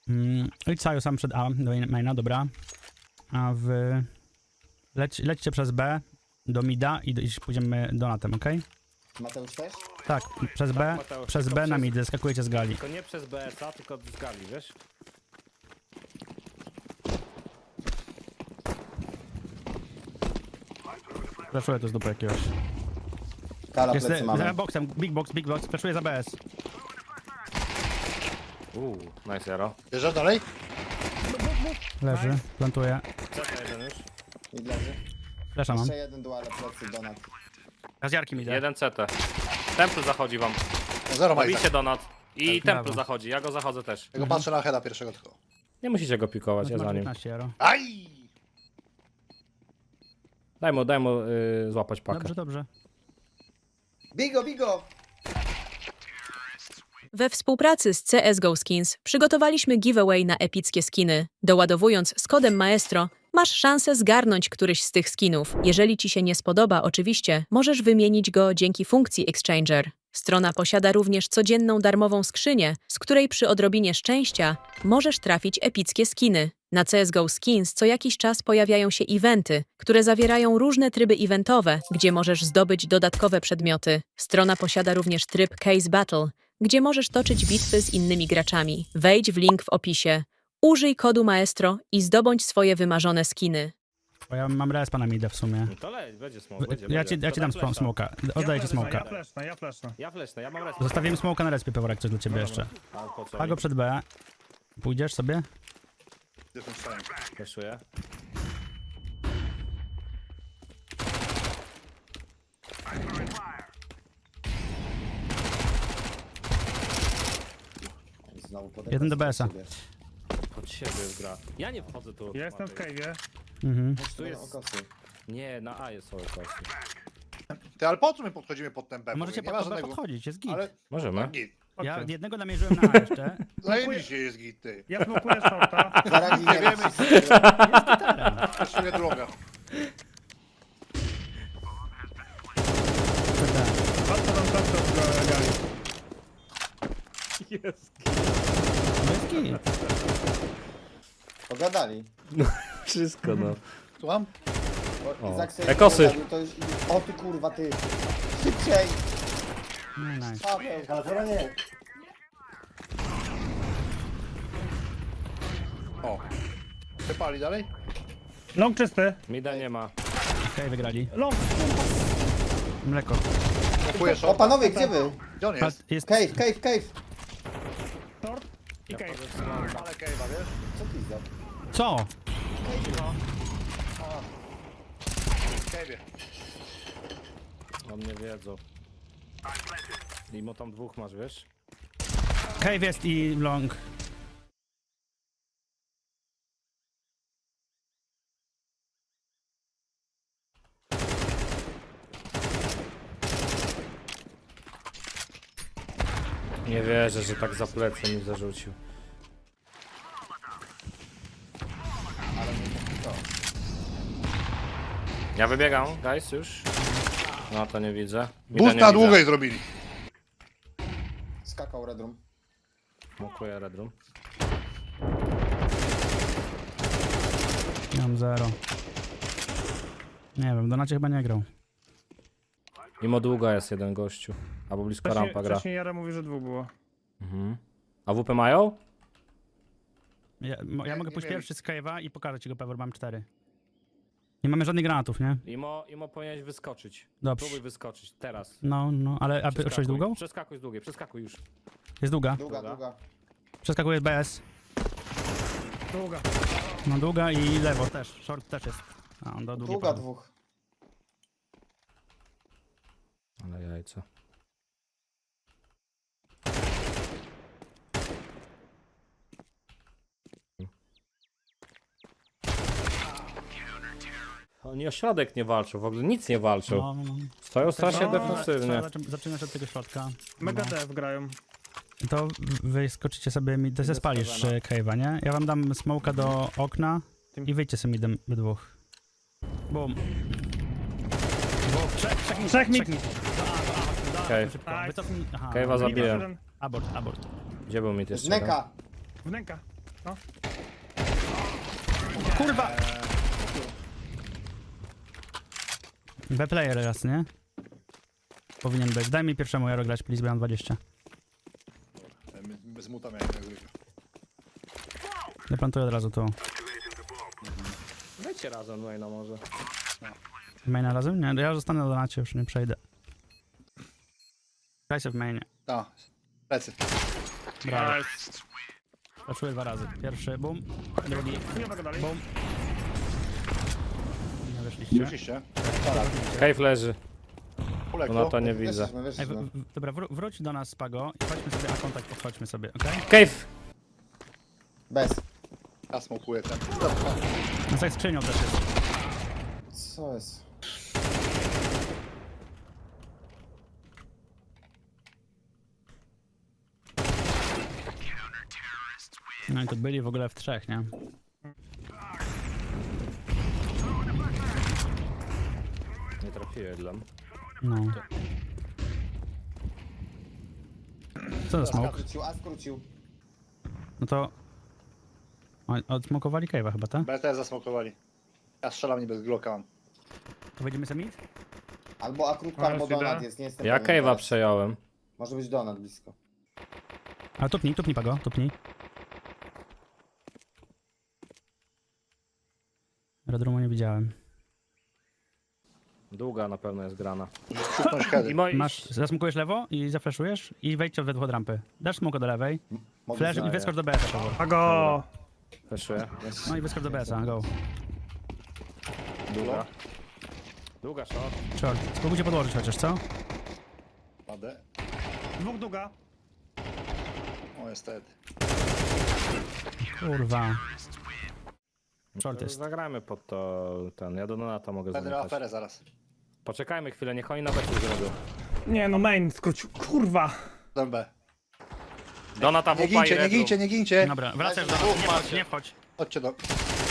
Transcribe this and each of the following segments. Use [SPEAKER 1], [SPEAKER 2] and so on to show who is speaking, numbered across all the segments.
[SPEAKER 1] Idź Saju sam przed A, do maina, dobra. A wy... Lećcie przez B do mida i pójdziemy donatem, okej?
[SPEAKER 2] Mateusz też?
[SPEAKER 1] Tak, przez B,
[SPEAKER 3] Mateusz,
[SPEAKER 1] przez
[SPEAKER 3] tylko
[SPEAKER 1] B na
[SPEAKER 3] przez-
[SPEAKER 1] mid, skakujecie z gali.
[SPEAKER 3] Tylko nie przez BS-a, tylko z gali, wiesz?
[SPEAKER 1] Flaszuję to z dupy jakiegoś.
[SPEAKER 2] Kala
[SPEAKER 1] Jest
[SPEAKER 2] plecy
[SPEAKER 1] za
[SPEAKER 2] mamy.
[SPEAKER 1] boxem, big box, flaszuję za BS.
[SPEAKER 3] Nice zero.
[SPEAKER 4] Bierzesz dalej?
[SPEAKER 1] Leży, plantuję.
[SPEAKER 3] CT jeden już.
[SPEAKER 2] I leży.
[SPEAKER 1] Flasha mam.
[SPEAKER 2] Jeszcze jeden duale plecy donat.
[SPEAKER 1] Ja z Jarkiem idę.
[SPEAKER 3] Jeden CT. Temple zachodzi wam.
[SPEAKER 4] No zero ma i
[SPEAKER 3] Robicie
[SPEAKER 4] tak.
[SPEAKER 3] donat. I Temple
[SPEAKER 1] brawo.
[SPEAKER 3] zachodzi, ja go zachodzę też.
[SPEAKER 4] Ja go patrzę na heada pierwszego tylko.
[SPEAKER 3] Nie musicie go pikować, ja
[SPEAKER 1] Masz
[SPEAKER 3] za nim.
[SPEAKER 1] 15 euro.
[SPEAKER 4] Aj!
[SPEAKER 3] Daj mu złapać pakę.
[SPEAKER 1] Dobrze, dobrze.
[SPEAKER 2] Bigo, bigo!
[SPEAKER 5] We współpracy z CSGO Skins przygotowaliśmy giveaway na epickie skiny. Doładowując z kodem Maestro, masz szansę zgarnąć któryś z tych skinów. Jeżeli ci się nie spodoba, oczywiście, możesz wymienić go dzięki funkcji Exchanger. Strona posiada również codzienną darmową skrzynię, z której przy odrobinie szczęścia możesz trafić epickie skiny. Na CSGO Skins co jakiś czas pojawiają się eventy, które zawierają różne tryby eventowe, gdzie możesz zdobyć dodatkowe przedmioty. Strona posiada również tryb Case Battle, gdzie możesz toczyć bitwy z innymi graczami. Wejdź w link w opisie, użyj kodu Maestro i zdobądź swoje wymarzone skiny.
[SPEAKER 1] Bo ja mam respa na midę w sumie.
[SPEAKER 3] No to leć, będzie smoke, będzie.
[SPEAKER 1] Ja ci
[SPEAKER 3] To
[SPEAKER 1] dam
[SPEAKER 3] flasha.
[SPEAKER 1] smoka. Oddaję ci smoka.
[SPEAKER 6] Ja flashnę.
[SPEAKER 3] Ja flesznę, ja mam respa.
[SPEAKER 1] Zostawiłem smoka na respie, Peworek, coś dla ciebie jeszcze.
[SPEAKER 3] A po co?
[SPEAKER 1] Pago przed B. Pójdziesz sobie?
[SPEAKER 4] Gdzie ten stałem?
[SPEAKER 3] Fleszuję.
[SPEAKER 2] Znowu
[SPEAKER 1] Jeden do BS-a.
[SPEAKER 3] Pod siebie jest gra. Ja nie wchodzę tu.
[SPEAKER 6] Ja jestem w
[SPEAKER 3] Matej.
[SPEAKER 6] cave'ie.
[SPEAKER 1] Mhm.
[SPEAKER 3] Tu jest...
[SPEAKER 2] Okosy.
[SPEAKER 3] Nie, na A jest okosy.
[SPEAKER 4] Ty, ale po co my podchodzimy pod ten B?
[SPEAKER 1] Możecie
[SPEAKER 4] nie ma
[SPEAKER 1] pod B
[SPEAKER 4] żadnego...
[SPEAKER 1] podchodzić, jest git.
[SPEAKER 4] Ale...
[SPEAKER 3] Możemy.
[SPEAKER 4] Git.
[SPEAKER 1] Ja
[SPEAKER 6] Okej.
[SPEAKER 1] jednego namierzyłem na A jeszcze.
[SPEAKER 4] Zajebiście jest git, ty.
[SPEAKER 6] Ja smokuję shorta.
[SPEAKER 2] Zaraz
[SPEAKER 4] Nie
[SPEAKER 2] nie
[SPEAKER 4] wiemy. Jeszcze droga.
[SPEAKER 6] Patrzę tam czapkę w gali.
[SPEAKER 3] Jest.
[SPEAKER 1] No jest git.
[SPEAKER 2] Pogadali.
[SPEAKER 3] Wszystko no.
[SPEAKER 4] Słucham?
[SPEAKER 2] O, Izak sobie
[SPEAKER 3] Ekosy.
[SPEAKER 2] pogadał, to już... O ty kurwa, ty! Szybciej!
[SPEAKER 1] No nice.
[SPEAKER 2] Paweł, Paweł, nie!
[SPEAKER 4] O. Przepali dalej?
[SPEAKER 6] Long czysty.
[SPEAKER 3] Mida nie ma.
[SPEAKER 1] Okej, wygrali.
[SPEAKER 6] Long.
[SPEAKER 1] Mleko.
[SPEAKER 4] Kupuję
[SPEAKER 2] O
[SPEAKER 4] short.
[SPEAKER 2] panowie, gdzie wy?
[SPEAKER 4] Gdzie on jest?
[SPEAKER 1] Jest...
[SPEAKER 2] Cave, cave, cave!
[SPEAKER 6] Short. I cave.
[SPEAKER 4] Ale Kejwa, wiesz?
[SPEAKER 2] Co ty za...
[SPEAKER 1] Co?
[SPEAKER 4] W Kejwie.
[SPEAKER 3] O mnie wiedzą. Mimo tam dwóch masz, wiesz?
[SPEAKER 1] Cave jest i long.
[SPEAKER 3] Nie wierzę, że tak za plecy mi zarzucił. Ja wybiegam, guys, już. No to nie widzę. Mida
[SPEAKER 4] Boost
[SPEAKER 3] nie
[SPEAKER 4] na
[SPEAKER 3] widzę.
[SPEAKER 4] długiej zrobili.
[SPEAKER 2] Skakał Red Room.
[SPEAKER 3] Smokuję Red Room.
[SPEAKER 1] Ja mam 0. Nie wiem, Donacie chyba nie grał.
[SPEAKER 3] Mimo długa jest jeden gościu. Albo blisko rampa gra.
[SPEAKER 6] Wcześniej Jara mówi, że dwóch było.
[SPEAKER 3] Mhm. A WP mają?
[SPEAKER 1] Ja mogę
[SPEAKER 4] nie
[SPEAKER 1] pójść
[SPEAKER 4] wiem.
[SPEAKER 1] pierwszy z Cave'a i pokażę ci go, Pewor, mam 4. Nie mamy żadnych granatów, nie?
[SPEAKER 3] Imo powinieneś wyskoczyć.
[SPEAKER 1] Dobrze.
[SPEAKER 3] Próbuj wyskoczyć, teraz.
[SPEAKER 1] No, ale a
[SPEAKER 3] Przeskakuj.
[SPEAKER 1] szłeś długą?
[SPEAKER 3] Przeskakuj z długiej, przeskakuj już.
[SPEAKER 1] Jest długa.
[SPEAKER 2] Długa, długa.
[SPEAKER 1] Przeskakuje BS.
[SPEAKER 6] Długa.
[SPEAKER 1] No długa i lewo też. Short też jest. A on do długiej
[SPEAKER 2] Długa
[SPEAKER 1] poszedł.
[SPEAKER 2] dwóch.
[SPEAKER 3] Ale jajca. Oni o środek nie walczą, w ogóle nic nie walczą.
[SPEAKER 1] No.
[SPEAKER 3] Stoją strasznie
[SPEAKER 6] No,
[SPEAKER 3] defensywnie.
[SPEAKER 1] Zaczynasz od tego środka.
[SPEAKER 6] Mega
[SPEAKER 1] No.
[SPEAKER 6] dev grają.
[SPEAKER 1] To wy skoczycie sobie, ty se spalisz Cave'a, nie? Ja wam dam smoka do okna i wyjdźcie sobie midem we dwóch. Boom.
[SPEAKER 6] Trzech mid.
[SPEAKER 3] Okej.
[SPEAKER 1] Szybko.
[SPEAKER 6] Nice.
[SPEAKER 1] Wycofnij. Aha.
[SPEAKER 3] Cave'a zabiłem.
[SPEAKER 1] Abort.
[SPEAKER 3] Gdzie był mit
[SPEAKER 2] Z
[SPEAKER 3] jeszcze? jeden?
[SPEAKER 2] neka!
[SPEAKER 6] Wnęka. Blisko.
[SPEAKER 1] Kurwa! B-player raz, nie? Powinien być. Daj mi pierwszemu Jaro grać, please, bo ja mam 20.
[SPEAKER 4] Bez muta miałem tego gryka.
[SPEAKER 1] Ja plantuję od razu tu.
[SPEAKER 3] Wejdźcie razem, no i no może.
[SPEAKER 1] Maina razem? Nie, ja zostanę na donacie, już nie przejdę. Graj się w mainie.
[SPEAKER 4] Tak. Plecy.
[SPEAKER 1] Brawo.
[SPEAKER 6] Nice.
[SPEAKER 1] Zaczuję 2 razy. Pierwszy, bum. Drugi,
[SPEAKER 6] Nie mogę dalej.
[SPEAKER 1] bum. Nie wyszliście.
[SPEAKER 4] Oczywiście.
[SPEAKER 3] Cave leży.
[SPEAKER 4] Kulek,
[SPEAKER 3] No to nie widzę.
[SPEAKER 2] Weszliśmy,
[SPEAKER 1] Ej,
[SPEAKER 2] weszliśmy.
[SPEAKER 1] dobra, wróć do nas, Pago, i chodźmy sobie, a kontakt podchodźmy sobie, okej?
[SPEAKER 3] Cave!
[SPEAKER 2] Bez.
[SPEAKER 4] Ja smokuję ten.
[SPEAKER 1] No tak skrzynią też jest.
[SPEAKER 2] Co jest?
[SPEAKER 1] No i tu byli w ogóle w 3, nie?
[SPEAKER 3] Nie trafiłem dla mnie.
[SPEAKER 1] No. Co za
[SPEAKER 2] A
[SPEAKER 1] smoke?
[SPEAKER 2] skrócił, a skrócił.
[SPEAKER 1] No to... Odsmokowali cave'a chyba, tak?
[SPEAKER 4] BT zasmokowali. Ja strzelam niby z Glocka mam.
[SPEAKER 1] To wejdziemy sobie mid?
[SPEAKER 2] Albo akróbka,
[SPEAKER 6] A,
[SPEAKER 2] albo
[SPEAKER 6] jest
[SPEAKER 2] donat
[SPEAKER 6] idea.
[SPEAKER 2] jest, nie jestem
[SPEAKER 3] Ja
[SPEAKER 2] pewien
[SPEAKER 3] cave'a
[SPEAKER 2] teraz.
[SPEAKER 3] przejąłem.
[SPEAKER 2] Może być donat blisko.
[SPEAKER 1] Ale tupnij Pago, tupnij. Red Roomu nie widziałem.
[SPEAKER 3] Długa na pewno jest grana.
[SPEAKER 4] Szuknąć heady.
[SPEAKER 3] I moi...
[SPEAKER 1] Masz, zasmokujesz lewo i zafleszujesz i wejdźcie we dwóch od rampy. Dasz smoka do lewej,
[SPEAKER 2] Mogę
[SPEAKER 1] flash i
[SPEAKER 2] znaleźć.
[SPEAKER 1] wyskocz do BS-a, Pago.
[SPEAKER 6] Pago!
[SPEAKER 3] Wyszuję.
[SPEAKER 1] No i wyskocz do BS-a, go.
[SPEAKER 3] Długa. Długa shot.
[SPEAKER 1] Short. Spróbujcie podłożyć chociaż, co?
[SPEAKER 4] Padę.
[SPEAKER 6] Dwóch długa.
[SPEAKER 4] O, jest head.
[SPEAKER 1] Kurwa.
[SPEAKER 3] No
[SPEAKER 1] Short
[SPEAKER 3] to
[SPEAKER 1] jest.
[SPEAKER 3] Zagrajmy pod to ten. Ja do Donata mogę
[SPEAKER 4] Będę
[SPEAKER 3] zamykać.
[SPEAKER 4] aferę zaraz.
[SPEAKER 3] Poczekajmy chwilę, niech oni nawet nie zrobią.
[SPEAKER 6] Nie no, main skrócił. Kurwa.
[SPEAKER 4] Dam B.
[SPEAKER 3] Donata
[SPEAKER 4] Nie
[SPEAKER 3] wupa i
[SPEAKER 4] gincie, nie
[SPEAKER 3] Red Room.
[SPEAKER 4] gincie, nie gincie.
[SPEAKER 1] Dobra, wracasz do nas, nie wchodź, nie wchodź.
[SPEAKER 4] Chodźcie do...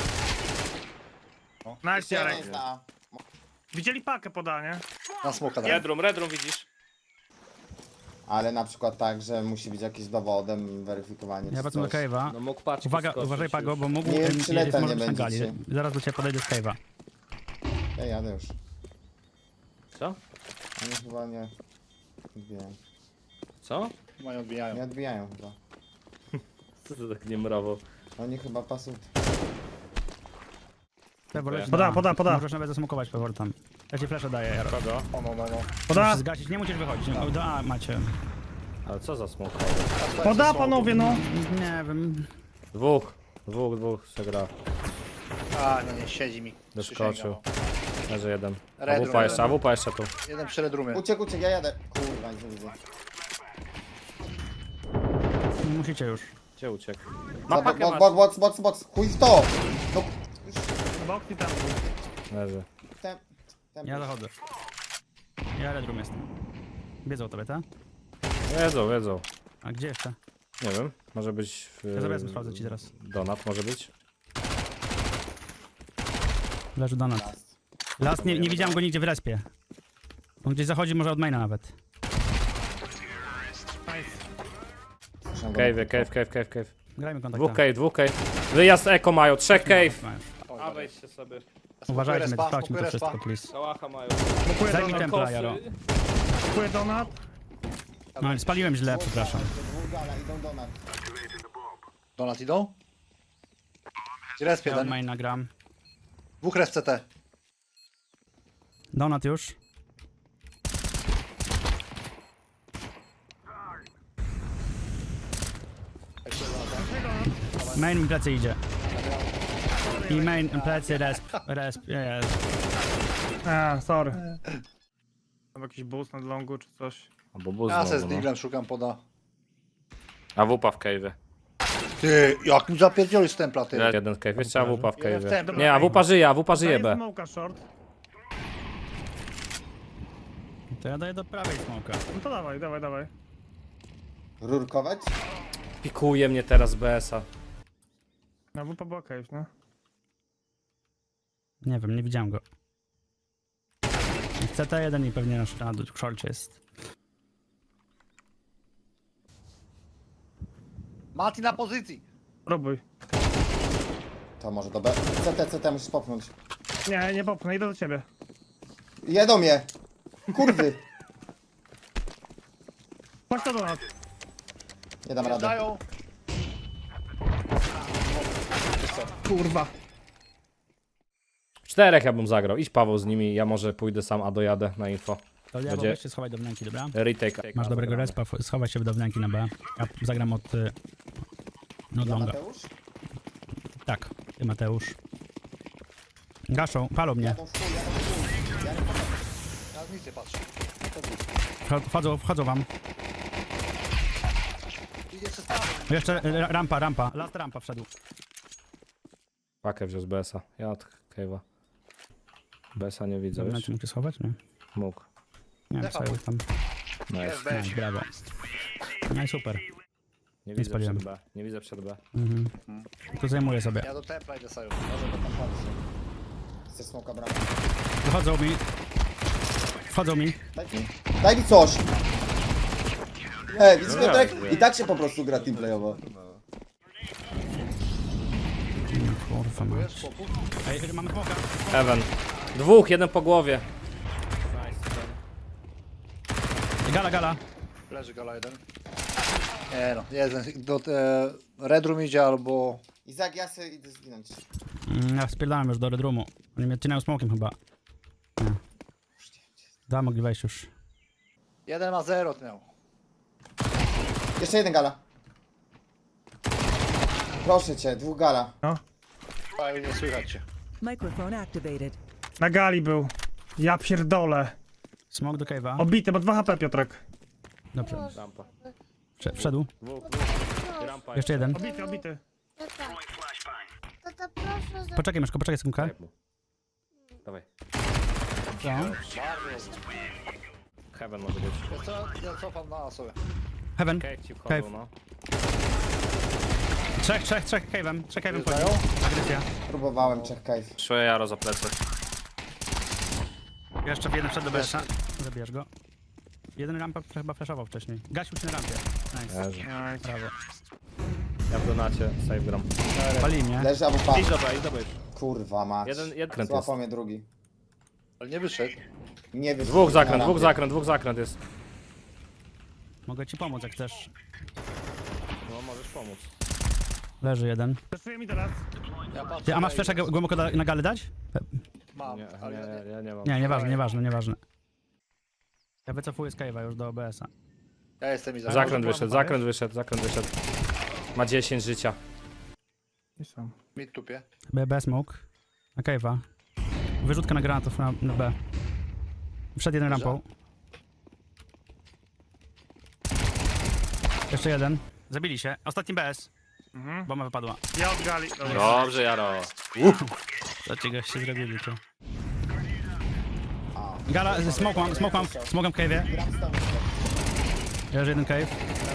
[SPEAKER 6] Nice,
[SPEAKER 2] Jeszcze jeden
[SPEAKER 6] Jarek.
[SPEAKER 2] jest na A.
[SPEAKER 6] Widzieli pakę podanie.
[SPEAKER 4] Na smoka dam.
[SPEAKER 3] Red Room widzisz?
[SPEAKER 2] Ale na przykład tak, że musi być jakieś dowodem, weryfikowanie
[SPEAKER 1] Ja
[SPEAKER 2] czy
[SPEAKER 1] wracam do
[SPEAKER 2] coś.
[SPEAKER 1] cave'a.
[SPEAKER 3] No mógł paczki
[SPEAKER 1] Uwaga,
[SPEAKER 3] skoczyć
[SPEAKER 1] uważaj
[SPEAKER 3] już.
[SPEAKER 1] Pago, bo mógł...
[SPEAKER 2] Nie wiem, czy
[SPEAKER 1] jest,
[SPEAKER 2] leta
[SPEAKER 1] może
[SPEAKER 2] nie
[SPEAKER 1] być na gali.
[SPEAKER 2] będziecie.
[SPEAKER 1] Zaraz do ciebie podejdę z cave'a.
[SPEAKER 2] Ja jadę już.
[SPEAKER 3] Co?
[SPEAKER 2] Oni chyba nie odbijają.
[SPEAKER 3] Co?
[SPEAKER 4] Mają odbijają.
[SPEAKER 2] Nie odbijają chyba.
[SPEAKER 3] Co to tak nie mrowo?
[SPEAKER 2] Oni chyba pasują.
[SPEAKER 1] Pewor, leć
[SPEAKER 6] Poda,
[SPEAKER 1] na A.
[SPEAKER 6] poda, poda.
[SPEAKER 1] Możesz nawet zasmokować Pewor tam. Ja ci flasha daję, Jaro.
[SPEAKER 3] Kogo?
[SPEAKER 4] O, no.
[SPEAKER 6] Poda,
[SPEAKER 1] Musisz zgasić, nie musisz wychodzić. No, do A macie.
[SPEAKER 3] Ale co za smok?
[SPEAKER 6] poda panowie no.
[SPEAKER 1] Nie wiem.
[SPEAKER 3] Dwóch se gra.
[SPEAKER 4] A, no nie, siedzi mi.
[SPEAKER 3] Doskoczył.
[SPEAKER 4] Przysięgam.
[SPEAKER 3] Leży jeden.
[SPEAKER 4] Red
[SPEAKER 3] AWP
[SPEAKER 4] Room,
[SPEAKER 3] jeszcze,
[SPEAKER 4] Red
[SPEAKER 3] AWP jeszcze tu.
[SPEAKER 4] Jeden przy Red Roomie.
[SPEAKER 2] Uciekł, ja jadę. Kurwa, nie widzę.
[SPEAKER 1] Nie musicie już.
[SPEAKER 3] Gdzie uciekł?
[SPEAKER 2] Za
[SPEAKER 3] Ma pakę
[SPEAKER 2] box. Chuj w to! No,
[SPEAKER 6] Box i tam.
[SPEAKER 3] Leży.
[SPEAKER 2] tem,
[SPEAKER 1] Ja zachodzę. Ja Red Room jestem. Wiedzą o tobie, tak?
[SPEAKER 3] Wiedzą.
[SPEAKER 1] A gdzie jeszcze?
[SPEAKER 3] Nie wiem, może być...
[SPEAKER 1] Ja zaraz sprawdzę ci teraz.
[SPEAKER 3] Donat może być.
[SPEAKER 1] Leży donat. Last nie widziałem go nigdzie w respie. On gdzieś zachodzi, może od maina nawet.
[SPEAKER 6] Nice.
[SPEAKER 3] Cave.
[SPEAKER 1] Grajmy kontakt.
[SPEAKER 3] Dwóch cave. Wyjazd eko mają, 3 cave.
[SPEAKER 4] O,
[SPEAKER 3] wejdźcie sobie.
[SPEAKER 1] Uważajmy,
[SPEAKER 4] respa,
[SPEAKER 1] sprawdźmy to
[SPEAKER 4] smokuję
[SPEAKER 1] wszystko,
[SPEAKER 4] respa.
[SPEAKER 1] please.
[SPEAKER 3] Kałacha mają.
[SPEAKER 6] Smokuję
[SPEAKER 1] Zajmij
[SPEAKER 6] donat.
[SPEAKER 1] templa, Jaro.
[SPEAKER 6] Smokuję donat.
[SPEAKER 1] No, spaliłem źle, przepraszam.
[SPEAKER 2] Dwóch gala, idą do nas.
[SPEAKER 4] Donat idą? Resp
[SPEAKER 1] Ja od
[SPEAKER 4] jeden.
[SPEAKER 1] maina gram.
[SPEAKER 4] Dwóch res CT.
[SPEAKER 1] Donat już. Main mi plecy idzie. I main plecy, resp, jest.
[SPEAKER 6] A, sorry. Mam jakiś boost na longu czy coś.
[SPEAKER 3] Albo buz
[SPEAKER 4] Ja se z
[SPEAKER 3] znowu, no.
[SPEAKER 4] Diglem szukam poda.
[SPEAKER 3] AWP w cave.
[SPEAKER 4] Ty, jak mi zapierdzielisz templa, ty.
[SPEAKER 3] Jeden cave, jeszcze AWP w
[SPEAKER 4] Jeden w
[SPEAKER 3] cave.
[SPEAKER 4] templa.
[SPEAKER 3] Nie, AWP żyje
[SPEAKER 6] Daję
[SPEAKER 3] B.
[SPEAKER 6] smoka short.
[SPEAKER 1] To ja daję do prawej smoka.
[SPEAKER 6] No to dawaj.
[SPEAKER 2] Rurkować?
[SPEAKER 3] Pikuje mnie teraz BS-a.
[SPEAKER 6] No bo była cave, no.
[SPEAKER 1] Nie wiem, nie widziałem go. CT1 i pewnie nasz na szorcie jest.
[SPEAKER 4] Mati na pozycji.
[SPEAKER 6] Próbuj.
[SPEAKER 2] To może do B. CT musisz popchnąć.
[SPEAKER 6] Nie, nie popchnę, idę do ciebie.
[SPEAKER 2] Jedą mnie! Kurwy!
[SPEAKER 6] Chodź to do nas.
[SPEAKER 2] Nie dam rady.
[SPEAKER 4] Dają.
[SPEAKER 6] Kurwa.
[SPEAKER 3] 4 ja bym zagrał. Idź Paweł z nimi, ja może pójdę sam, a dojadę na info.
[SPEAKER 1] To ja
[SPEAKER 3] Będzie-
[SPEAKER 1] weź się schowaj do wnęki, dobra?
[SPEAKER 3] Retake.
[SPEAKER 1] Masz dobrego respa, schowaj się do wnęki na B. Ja zagram od... No
[SPEAKER 2] Ja,
[SPEAKER 1] longa.
[SPEAKER 2] Mateusz?
[SPEAKER 1] Tak, ty Mateusz. Gaszą, palą mnie.
[SPEAKER 2] Jadą w chuj, jadą w chuj. Ja nie pomogę.
[SPEAKER 4] Ja nic nie patrzę.
[SPEAKER 1] Wchodzą wam.
[SPEAKER 4] Idzie przez prawo.
[SPEAKER 1] Jeszcze rampa. Last rampa wszedł.
[SPEAKER 3] Pakę wziął z BS-a. Ja od Cave'a. BS-a nie widzę,
[SPEAKER 1] Dobra,
[SPEAKER 3] wiesz?
[SPEAKER 1] czy mógł się schować? Nie.
[SPEAKER 3] Mógł.
[SPEAKER 1] Nie wiem,
[SPEAKER 4] Defa
[SPEAKER 1] co tam.
[SPEAKER 3] Nice.
[SPEAKER 4] Jest
[SPEAKER 1] No,
[SPEAKER 4] weź.
[SPEAKER 1] brawo. No i super.
[SPEAKER 3] Nie widzę
[SPEAKER 1] spaliłem.
[SPEAKER 3] przed B. Nie widzę przed B.
[SPEAKER 1] Mhm. Tu zajmuję sobie.
[SPEAKER 4] Ja do templa idę sobie.
[SPEAKER 2] Może go tam patrzę. Chcesz smoka brać?
[SPEAKER 1] Wychodzą mi. Wchodzą mi.
[SPEAKER 2] Daj mi coś! Widzisz,
[SPEAKER 3] No
[SPEAKER 2] Piotrek?
[SPEAKER 3] jasne.
[SPEAKER 2] I tak się po prostu gra teamplayowo.
[SPEAKER 1] Kurwa ma.
[SPEAKER 4] Wiesz, chłopu?
[SPEAKER 1] Ej, mamy smoka.
[SPEAKER 3] Heaven. Dwóch, jeden po głowie.
[SPEAKER 1] Gala.
[SPEAKER 4] Leży gala jeden. Nie no, jeden. Do Red Room idzie albo...
[SPEAKER 2] Izak, ja sobie idę zginąć.
[SPEAKER 1] Ja spierdalam już do Red Roomu. Oni mnie odcinają smokiem chyba. Nie. Da, mogli wejść już.
[SPEAKER 4] Jeden ma 0 miał.
[SPEAKER 2] Jeszcze jeden gala. Proszę cię, 2 gala.
[SPEAKER 4] A nie słychać cię.
[SPEAKER 7] Microphone activated.
[SPEAKER 6] Na gali był. Ja pierdolę.
[SPEAKER 1] Smok do cave'a.
[SPEAKER 6] Obity, bo 2 HP, Piotrek.
[SPEAKER 1] Dobrze.
[SPEAKER 3] Rampa.
[SPEAKER 1] Wszedł.
[SPEAKER 3] Dwóch. Rampa.
[SPEAKER 1] Jeszcze jeden.
[SPEAKER 6] Obity.
[SPEAKER 8] Tata, proszę za...
[SPEAKER 1] Poczekaj, Myszko, poczekaj sekundkę.
[SPEAKER 3] Daj mu. Dawaj.
[SPEAKER 1] Co?
[SPEAKER 3] Heaven może być.
[SPEAKER 4] Wiesz co, ja cofam na sobie.
[SPEAKER 1] Heaven.
[SPEAKER 3] Cave ci wchodzą,
[SPEAKER 1] Cave.
[SPEAKER 3] no.
[SPEAKER 1] Trzech cave'em. Trzech cave'em
[SPEAKER 4] Dają?
[SPEAKER 1] wchodzi. Agresja.
[SPEAKER 2] Próbowałem, check cave.
[SPEAKER 3] Szły Jaro za plecy.
[SPEAKER 1] Jeszcze jeden wszedł do BS-a. Zabierz go. Jeden rampa chyba flashował wcześniej. Gasił się na rampie. Nice.
[SPEAKER 3] Leży.
[SPEAKER 1] Brawo.
[SPEAKER 3] Ja w donacie save gram.
[SPEAKER 1] Pali mnie.
[SPEAKER 2] Leży albo pa.
[SPEAKER 3] Idź do B, idź do B.
[SPEAKER 2] Kurwa mać.
[SPEAKER 3] Jeden kręt jest.
[SPEAKER 2] Złapał mnie drugi.
[SPEAKER 4] Ale nie wyszedł.
[SPEAKER 2] Nie wiem.
[SPEAKER 3] Dwóch zakręt jest.
[SPEAKER 1] Mogę ci pomóc jak chcesz.
[SPEAKER 3] No możesz pomóc.
[SPEAKER 1] Leży jeden.
[SPEAKER 6] Zeszuję mi teraz.
[SPEAKER 4] Ja patrzę.
[SPEAKER 1] Ty, a masz flesza głęboko na galę dać?
[SPEAKER 4] Mam,
[SPEAKER 3] Nie,
[SPEAKER 4] ale
[SPEAKER 3] ja nie mam.
[SPEAKER 1] Nie, nieważne. Ja wycofuję z cave'a już do OBS-a.
[SPEAKER 4] ja jestem i
[SPEAKER 3] Zakręt wyszedł. Ma 10 życia.
[SPEAKER 6] I są.
[SPEAKER 4] Mid tupie.
[SPEAKER 1] B smoke. Na cave'a. Wyrzutka na granatów na B. Wszedł jeden rampą. Jeszcze jeden. Zabili się. Ostatni BS. Bomba wypadła.
[SPEAKER 6] Ja od gali. Dobra.
[SPEAKER 3] Dobrze, Jaro.
[SPEAKER 1] Co ci goście zrobili, czy? Gala, smoke mam w cave'ie.
[SPEAKER 2] Gram z tobą.
[SPEAKER 1] Leży jeden cave.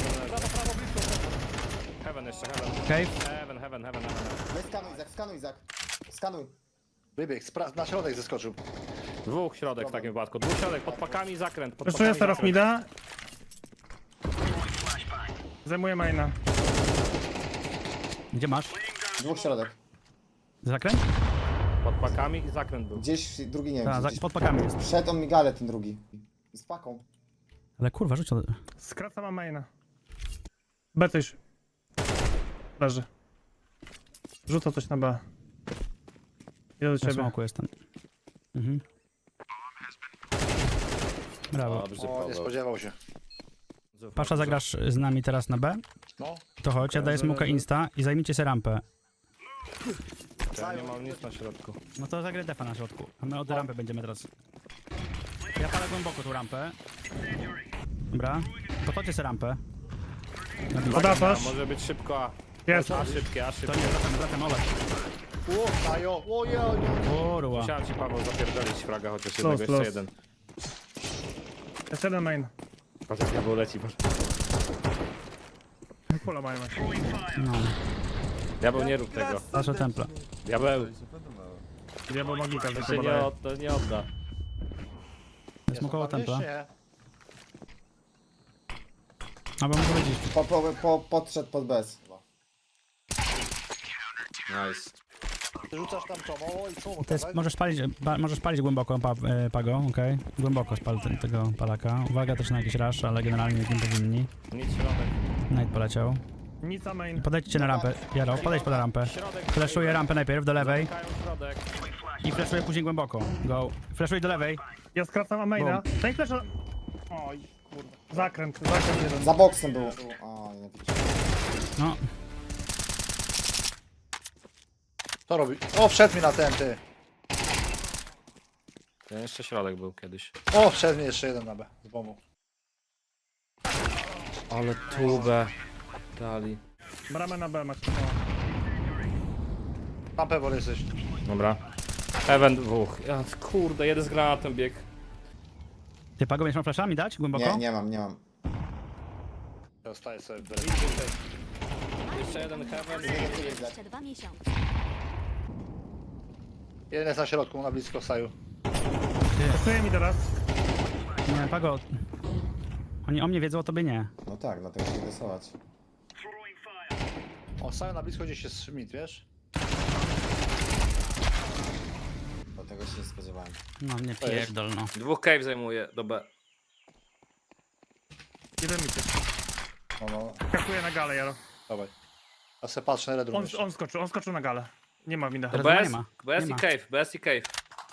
[SPEAKER 3] Heaven jeszcze,
[SPEAKER 1] Cave.
[SPEAKER 3] Heaven.
[SPEAKER 2] Nie skanuj Izak. Skanuj.
[SPEAKER 4] Wybieg, na środek zeskoczył.
[SPEAKER 3] Dwóch środek w takim wypadku. Dwóch środek, pod pakami zakręt. Pod
[SPEAKER 6] Zeszuję
[SPEAKER 3] pakami
[SPEAKER 6] teraz
[SPEAKER 3] zakręt.
[SPEAKER 6] mida. Zajmuję maina.
[SPEAKER 1] Gdzie masz?
[SPEAKER 2] 2 środek.
[SPEAKER 1] Zakręt?
[SPEAKER 3] Pod pakami i zakręt był.
[SPEAKER 2] Gdzieś drugi nie wiem.
[SPEAKER 1] Tak,
[SPEAKER 2] gdzieś.
[SPEAKER 1] pod pakami jest.
[SPEAKER 2] Przed on migale ten drugi. Z paką.
[SPEAKER 1] Ale kurwa, rzuć od...
[SPEAKER 6] Skracam maina. B coś. Leży. Rzuca coś na B. Idę do
[SPEAKER 1] Na
[SPEAKER 6] ciebie.
[SPEAKER 1] smoku jestem. Mhm. Brawo.
[SPEAKER 3] Dobrze,
[SPEAKER 4] O, nie
[SPEAKER 3] Paweł.
[SPEAKER 4] spodziewał się.
[SPEAKER 1] Pasza, zagrasz z nami teraz na B?
[SPEAKER 4] No.
[SPEAKER 1] To chodź, ja daję smoka insta i zajmijcie sobie rampę.
[SPEAKER 3] Ja nie mam nic na środku.
[SPEAKER 1] No to zagraj defa na środku, a my od rampy będziemy teraz. Ja palę głęboko tą rampę. Dobra, podchodźcie sobie rampę.
[SPEAKER 6] Podasz?
[SPEAKER 3] Może być szybko,
[SPEAKER 6] Jest.
[SPEAKER 3] a szybkie.
[SPEAKER 1] To nie, wracam, olej.
[SPEAKER 4] O, dają, ojej.
[SPEAKER 1] Kurwa.
[SPEAKER 3] Musiałem ci, Paweł, zapierdolić fraga, chociaż
[SPEAKER 6] Los,
[SPEAKER 3] jednego, jeszcze
[SPEAKER 6] los.
[SPEAKER 3] jeden.
[SPEAKER 6] Jest jeden main.
[SPEAKER 3] Patrz, jak Paweł leci.
[SPEAKER 6] Pula mają.
[SPEAKER 1] No,
[SPEAKER 3] Diabeł, nie rób tego.
[SPEAKER 1] nasze templa.
[SPEAKER 3] Diabeł,
[SPEAKER 6] Diabeł magika.
[SPEAKER 3] to się nie odda.
[SPEAKER 1] Smokowa templa.
[SPEAKER 4] Nie.
[SPEAKER 1] Albo muszę powiedzieć.
[SPEAKER 2] Podszedł pod bez.
[SPEAKER 3] Nice.
[SPEAKER 4] Ty rzucasz tam co, mało i co?
[SPEAKER 1] To jest,
[SPEAKER 4] Tak?
[SPEAKER 1] możesz palić głęboko, Pago, okej? Głęboko spal tego palaka. Uwaga też na jakiś rush, ale generalnie nie powinni.
[SPEAKER 3] Nic środek.
[SPEAKER 1] Night poleciał.
[SPEAKER 6] Nic a main.
[SPEAKER 1] Podejdźcie na rampę. Jaro, podejdź pod rampę.
[SPEAKER 3] Środek.
[SPEAKER 1] Flashuję rampę najpierw do lewej
[SPEAKER 3] Zamykają środek.
[SPEAKER 1] i flashuję później głęboko. Go. Flashuję do lewej.
[SPEAKER 6] Ja skracam a maina. Daj flasha. Oj, kurde. Zakręt jeden.
[SPEAKER 2] Za boksem był. O, nie widzę.
[SPEAKER 1] No,
[SPEAKER 4] Co robi? O, wszedł mi na ten, ty.
[SPEAKER 3] Ten jeszcze środek był kiedyś.
[SPEAKER 4] O, wszedł mi jeszcze jeden na B. Z bombą.
[SPEAKER 3] Ale tubę dali.
[SPEAKER 6] Bramę na B macie.
[SPEAKER 4] Tam pewor jesteś.
[SPEAKER 3] Dobra. Event dwóch. Ja, kurde, jeden z granatem bieg.
[SPEAKER 1] ty Pago będziesz miał flashami dać głęboko?
[SPEAKER 2] Nie mam, nie mam.
[SPEAKER 4] Ja staję sobie w
[SPEAKER 3] Jeszcze jeden heaven.
[SPEAKER 7] 22 miesiące.
[SPEAKER 4] Jeden jest na środku, na blisko Saju.
[SPEAKER 6] Pasuje mi teraz.
[SPEAKER 1] Nie, Pago. Oni o mnie wiedzą, o tobie nie.
[SPEAKER 2] No tak, dlatego się rysować.
[SPEAKER 4] O, Saju na blisko gdzieś jest Schmidt, wiesz?
[SPEAKER 2] Dlatego się nie spodziewałem.
[SPEAKER 1] No, nie pierdol, no.
[SPEAKER 3] Dwóch cave zajmuje do B.
[SPEAKER 6] Jeden mi się.
[SPEAKER 4] No.
[SPEAKER 6] Skakuje na galę, Jaro.
[SPEAKER 4] Dawaj. Ja se patrzę na redrum jeszcze.
[SPEAKER 6] On skoczył na galę. Nie ma winda.
[SPEAKER 1] Teraz
[SPEAKER 3] BS,
[SPEAKER 1] nie ma.
[SPEAKER 3] BS
[SPEAKER 1] Nie
[SPEAKER 3] i
[SPEAKER 1] ma.
[SPEAKER 3] cave, BS i cave.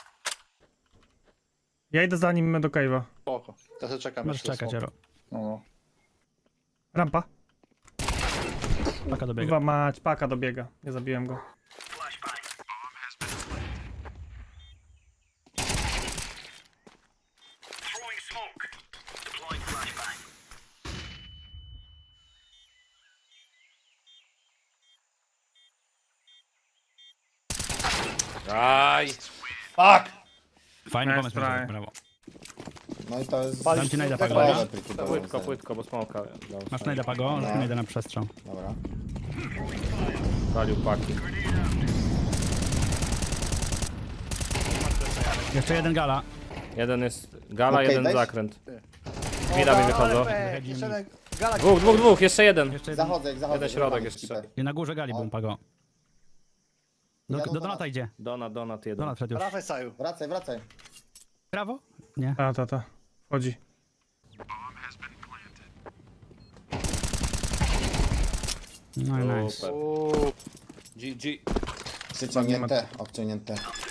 [SPEAKER 6] Ja idę za nim do cave'a.
[SPEAKER 4] Spoko. Ja sobie czekam
[SPEAKER 1] Możesz
[SPEAKER 4] jeszcze.
[SPEAKER 1] czekać, Jaro.
[SPEAKER 4] No.
[SPEAKER 6] Rampa.
[SPEAKER 1] Paka dobiega.
[SPEAKER 6] Chyba mać, paka dobiega. Nie zabiłem go.
[SPEAKER 3] Aj!
[SPEAKER 4] Fuck!
[SPEAKER 1] Fajny
[SPEAKER 6] Nice
[SPEAKER 1] pomysł,
[SPEAKER 6] try.
[SPEAKER 1] Maciek, brawo.
[SPEAKER 2] No i to jest...
[SPEAKER 4] Palić
[SPEAKER 1] Dam ci najda,
[SPEAKER 4] tak
[SPEAKER 1] Pago.
[SPEAKER 4] palisz?
[SPEAKER 2] Połowę pliki do
[SPEAKER 3] Płytko,
[SPEAKER 2] zero.
[SPEAKER 3] płytko, bo smoka.
[SPEAKER 1] Masz najda Pago,
[SPEAKER 2] No.
[SPEAKER 1] najda na przestrzał.
[SPEAKER 2] Dobra.
[SPEAKER 3] Palił paki.
[SPEAKER 1] Jeszcze jeden gala.
[SPEAKER 3] Jeden jest gala,
[SPEAKER 2] Okej,
[SPEAKER 3] jeden
[SPEAKER 2] weź.
[SPEAKER 3] zakręt. Mida mi wychodzą.
[SPEAKER 4] Jeszcze jeden gala.
[SPEAKER 3] Dwóch, jeszcze jeden.
[SPEAKER 1] Jeszcze jeden.
[SPEAKER 2] Zachodzę, zachodzę.
[SPEAKER 3] Jeden środek
[SPEAKER 2] zachodzę,
[SPEAKER 3] jeszcze.
[SPEAKER 2] skipper.
[SPEAKER 1] I na górze gali był Pago. Do
[SPEAKER 2] Jadą
[SPEAKER 1] Donata
[SPEAKER 2] Donat.
[SPEAKER 1] idzie.
[SPEAKER 3] Donat jeden.
[SPEAKER 1] Donat wszedł już.
[SPEAKER 4] Wracaj Saju.
[SPEAKER 2] Wracaj, wracaj.
[SPEAKER 1] Prawo? Nie.
[SPEAKER 6] Ta. Wchodzi.
[SPEAKER 1] No i nice.
[SPEAKER 3] Super.
[SPEAKER 4] Uuu.
[SPEAKER 3] GG.
[SPEAKER 2] Przyciągnięte, obciągnięte.